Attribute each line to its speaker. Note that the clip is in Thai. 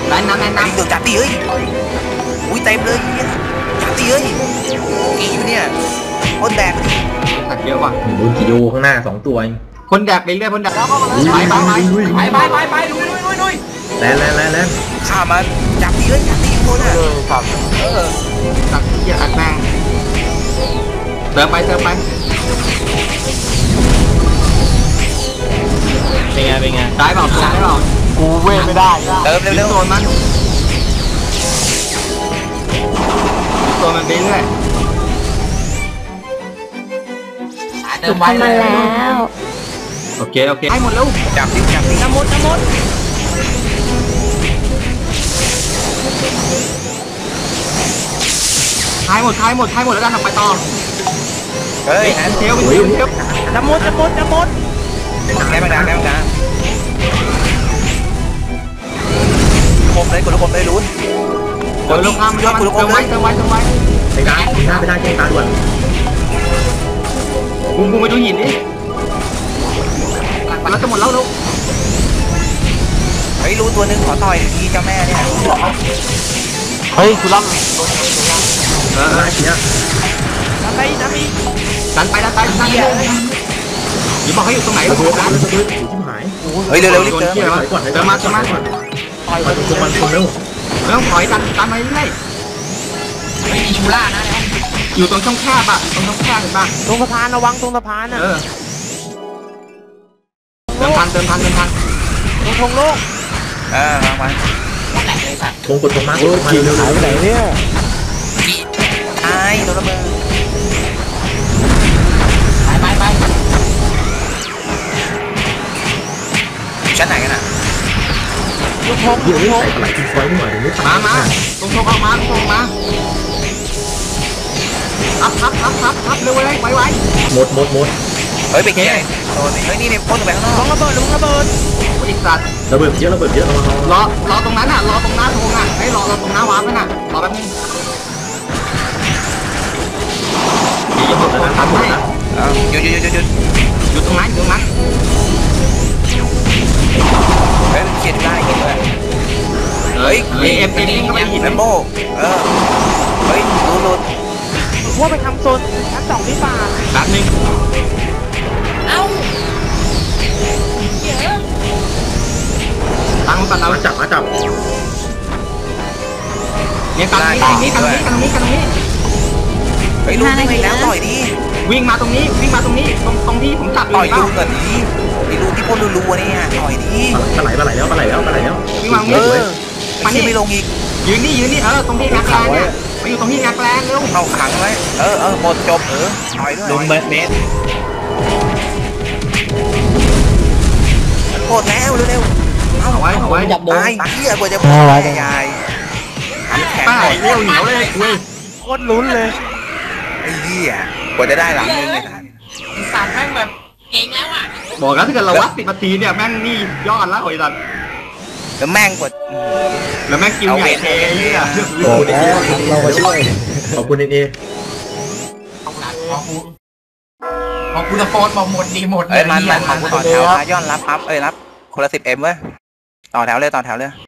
Speaker 1: น้ำเดือดจัดตีเอ้ยอุ้ยเต็มเลยจัดตีเอ้ยกี่อยู่เนี่ยคนแดก
Speaker 2: ตัดเยอะว่ะ
Speaker 3: ดูกิโยข้างหน้า2 ตัว
Speaker 2: คนแดกไปเรื่อยคนแดกไปลุย
Speaker 3: แล้ว
Speaker 1: ข้ามันจับตีเลยจับตีคนอ่ะ
Speaker 2: ครับตัดเกียร์อัดแม่งเติมไป
Speaker 4: เป็นไง
Speaker 2: ได้เปล่า
Speaker 4: กูเว้ยไม่ได้
Speaker 1: เติมเร็ว
Speaker 2: โซนมันไปเรื่อย
Speaker 5: ถูกทำมาแล้ว
Speaker 2: โอเคให้หมดแล้ว
Speaker 1: จับตี
Speaker 5: น้ำมด
Speaker 2: ทายหมดแล้วกันทำไปต่อ
Speaker 1: เฮ้ย
Speaker 2: เทล
Speaker 5: น้ำมด
Speaker 1: ได้บ้างนะคมเลยกดคมเลยลุ้น
Speaker 2: กดลงข้ามเติมไว้
Speaker 3: ไปได้แจ้งตาด่วน
Speaker 2: กูไปดูหินดิแล้วจะหมดแล้วลูก
Speaker 1: เฮ้ยรู้ตัวนึงขอต่อยทีเจ้าแม่เนี่ย
Speaker 4: เฮ้ยกูรับ
Speaker 3: เนี่ย
Speaker 5: น้ำไป
Speaker 2: ดันอย่าบอกให้อยู่ตรงไหน
Speaker 3: ระเบิดอยู่ที่หาย
Speaker 1: เฮ้ยเร็วรีบเ
Speaker 2: ติมมา
Speaker 3: ต่อยตรงมันคนเร็ว
Speaker 2: ไม่ต้องถอยดันไปเรื่อย
Speaker 5: ไม่มีชูล่านะ
Speaker 2: อยู่ตรงช่องแคบเห็นป่ะ
Speaker 5: ตรงสะพานระวังตรงสะพานอ่ะ
Speaker 2: เติมพัน
Speaker 5: ตรงทงโลก
Speaker 1: มา
Speaker 3: ทงกดตรงมาเร็ว
Speaker 4: หายไปไหนเนี่ย
Speaker 1: ไอ้โดนระเบิด
Speaker 5: ไป
Speaker 1: ชั้นไหนกันอ่ะ
Speaker 5: ลูกทง
Speaker 3: เดี๋ยวนี้ใส่ปลายทิ้งไว้หน่อยเดี๋ยวนี้
Speaker 2: มาตรงออกมาทับเร็วไว
Speaker 3: หมด
Speaker 1: เฮ้ยไปเกี่ยเฮ้ยนี่พ่นไปข้างนอก
Speaker 5: ระเบิด
Speaker 2: อีกสัตว์
Speaker 3: ระเบิดเยอะ
Speaker 2: รอตรงนั้นรอตรงหน้าทงให้รอตรงหน้าวาร์ปรอแป๊บนึงอย่าหมดแล้วทำให้
Speaker 1: หยุด
Speaker 2: อยู่ตรงนั้น
Speaker 1: เฮ้ยเขียนได้กินเลยเฮ้ย
Speaker 2: เอ็มก็ไม่หิน
Speaker 1: แลมโบ้เฮ้ยลุ้น
Speaker 5: ว่าไปทำโซนชั้น2ที่ป่า
Speaker 2: แป๊บนึงตั้งเรา
Speaker 3: มาจับ
Speaker 2: เนี่ยกันนี้
Speaker 1: เฮ้ยลุ้นไปแล้วต่อยดิ
Speaker 2: วิ่งมาตรงนี้ตรงที่ผมจับ
Speaker 1: ต่อยดูกันดิดูที่พ่นรัวๆนี่ฮะต่อยดิ
Speaker 3: ปลาไหลแล้ว
Speaker 2: วิ่งมา
Speaker 1: มันไม่ลงอีก
Speaker 2: ยืนนี่ตรงที่งักแรงเนี่ยไปอยู่ตรงที่งักแรงเร็ว
Speaker 1: เข้าขังไว้หมดจบต่อยด้วย
Speaker 4: ลงเมตร
Speaker 1: หมดแล้วเร็ว
Speaker 2: เอาไว้
Speaker 5: จับโดน
Speaker 1: ตายเหี้ยกว่าจะยาย
Speaker 2: ป้าเร็วเหนียวเลย
Speaker 5: โคตรลุ้นเลย
Speaker 1: ไอ้เหี้ยกว่าจะได้หลังนึงเลย
Speaker 5: สารแม่งแบบเก่งแล้วอ่ะ
Speaker 2: บอกแล้วถ้าเกิดเราวัด10 นาทีเนี่ยแม่งนี่ยอดแล้วไอ้สัตว์
Speaker 1: แล้วแม่งกด
Speaker 2: แล้วแม่งกินใหญ่เทเนี่ย
Speaker 3: เราก็ช่วยขอบคุณเอ
Speaker 5: พอคุณตะโกนบอกหมดดีหมด
Speaker 1: มันของกูต่อแถวย้อนรับปั๊บรับคนละ10Mเว้ยต่อแถวเลย